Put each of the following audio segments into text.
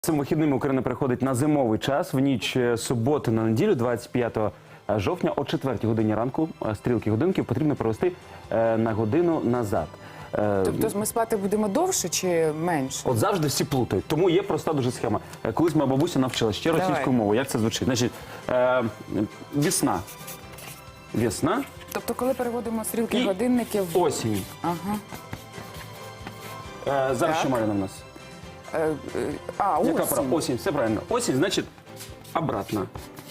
Цими вихідними Україна переходить на зимовий час. В ніч суботи на неділю, 25 жовтня, о 4 годині ранку, стрілки годинників потрібно провести на годину назад. Тобто ми спати будемо довше чи менше? От завжди всі плутають. Тому є проста дуже схема. Колись моя бабуся навчила ще російською мовою. Як це звучить? Значить, весна. Весна. Тобто коли переводимо стрілки годинників... Осінь. Ага. Зараз Так. що має на нас? Яка пора? Осінь. Осінь, все правильно. Осінь, значить, обратно.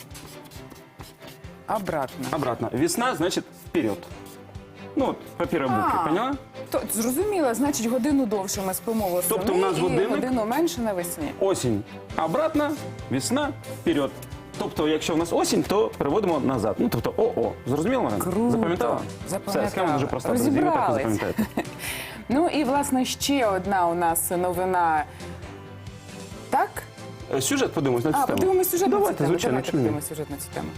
Обратно. Обратно. Весна, значит, вперед. Ну, от, по первой букве, поняла? То, зрозуміло, значить годину довше ми спимо восени Тобто у нас і годинник? годину менше навесні. Осінь. Обратно, весна, вперед. Тобто, якщо в нас осінь, то переводимо назад. Ну, тобто, ОО. Зрозуміло, Марина? Круто. Запам'ятала? Запам'ятала. Все, схема дуже проста. Друзі, ви так і Розібрались. запам'ятаєте. Ну і, власне, ще одна у нас новина. Так? Сюжет подивимось на цю тему. Подивимось сюжет на цю Давайте, тему. звичайно, Давайте чому ні? подивимось сюжет на цю тему.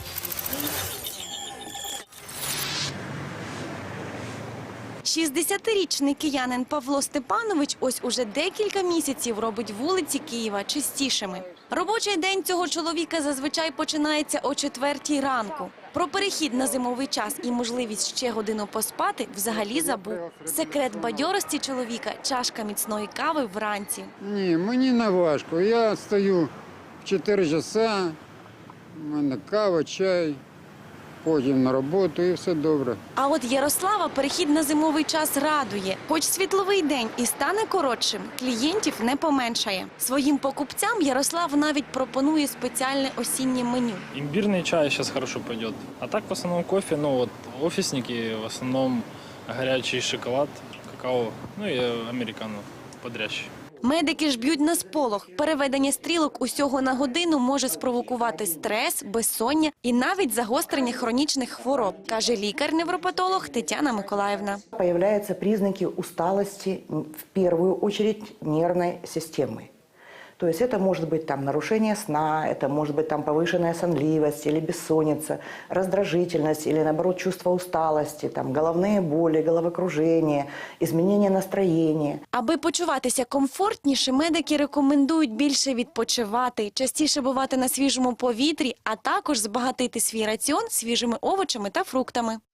60-річний киянин Павло Степанович ось уже декілька місяців робить вулиці Києва чистішими. Робочий день цього чоловіка зазвичай починається о 4 ранку. Про перехід на зимовий час і можливість ще годину поспати взагалі забув. Секрет бадьорості чоловіка – чашка міцної кави вранці. Ні, мені не важко. Я стою в 4 часа, у мене кава, чай, потім на роботу і все добре. А от Ярослава перехід на зимовий час радує. Хоч світловий день і стане коротшим, клієнтів не поменшає. Своїм покупцям Ярослав навіть пропонує спеціальне осіннє меню. Имбирный чай сейчас хорошо пойдет. А так в основном кофе, ну вот офисники в основном горячий шоколад, какао, ну и американо бодрящий. Медики ж б'ють на сполох. Переведення стрілок усього на годину може спровокувати стрес, безсоння і навіть загострення хронічних хвороб, каже лікар-невропатолог Тетяна Миколаївна. Появляются признаки усталости, в первую очередь нервной системы. То есть это может быть там нарушение сна, это может быть там повышенная сонливость или бессонница, раздражительность или наоборот чувство усталости, там головные боли, головокружение, изменение настроения. Аби почуватися комфортніше, медики рекомендують більше відпочивати, частіше бувати на свіжому повітрі, а також збагатити свій раціон свіжими овочами та фруктами.